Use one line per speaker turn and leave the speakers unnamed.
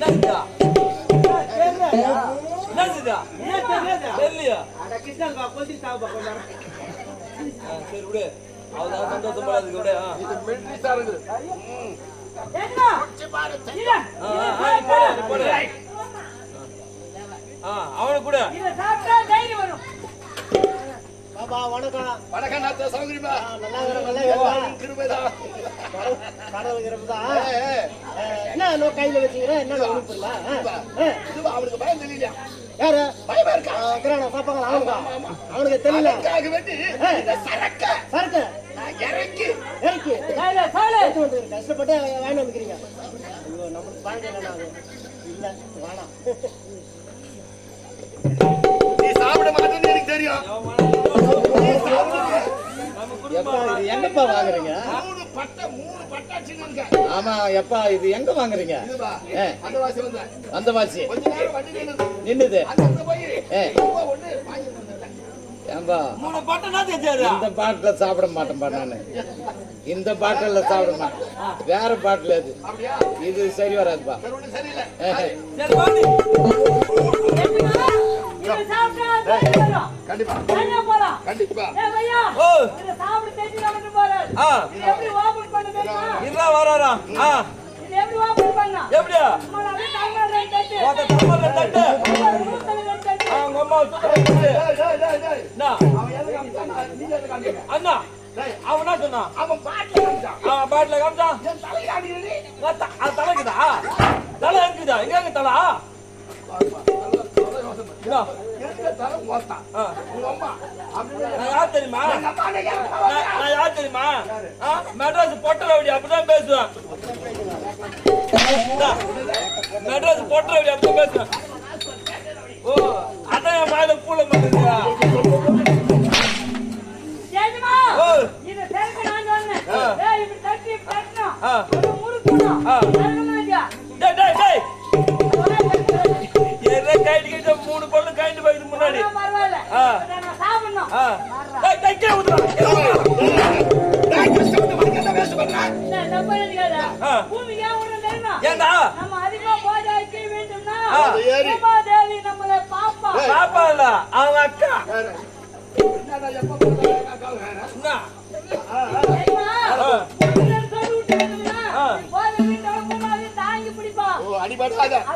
சரி விடு, அவதான் சந்தோஷமா இருக்கு விடு. அவனுக்கு கூட
வணக்கம்
வணக்கம் நாத்த சௌகரியமா
நல்லா கிருபைதான் கடவுள் கிருபைதான். என்ன கையில வச்சுக்கிற என்ன உறுப்புல
அவனுக்கு பயம் தெரியலையா?
யாரு
பயமா இருக்கா?
சாப்பாங்க அவனுக்கு தெரியல.
சரக்கு இறக்கி
கஷ்டப்பட்டு வாங்கி வந்துக்கிறீங்க. நம்மளுக்கு பழக்கம் இல்ல வேணாம்.
நீ சாப்பிட மாட்டேன்னு எனக்கு தெரியும்.
எங்கப்பா வாங்குறீங்க? ஆமா எப்பா இது எங்க வாங்குறீங்க? அந்த வாசி நின்னுது. இந்த பாட்டில சாப்பிட மாட்டேன்பா நானு. இந்த பாட்டில சாப்பிட மாட்டேன். வேற பாட்டில் அது இது சரி வராதுப்பா.
கண்டிப்பா கண்டிப்பா
வராரா எப்படியா அண்ணா அவனா சொன்னா அவன் பாட்டில காமிச்சா தலைக்குதா தலை இருக்குதா எங்க தலா யார் தெரியுமா? நான் யார் தெரியுமா? மெட்ராஸ் பொட்டரவடி அப்படிதான் பேசுவேன். மெட்ராஸ் பொட்டரவடி அப்படிதான் பேசுவேன். ஓ அதான் என் வாயில பூல மாட்டேங்குதா? மூணு பொண்ணு கைண்டு போயிடுது முன்னாடி. பாப்பா இல்ல அவங்க அக்கா.
அடிபடாத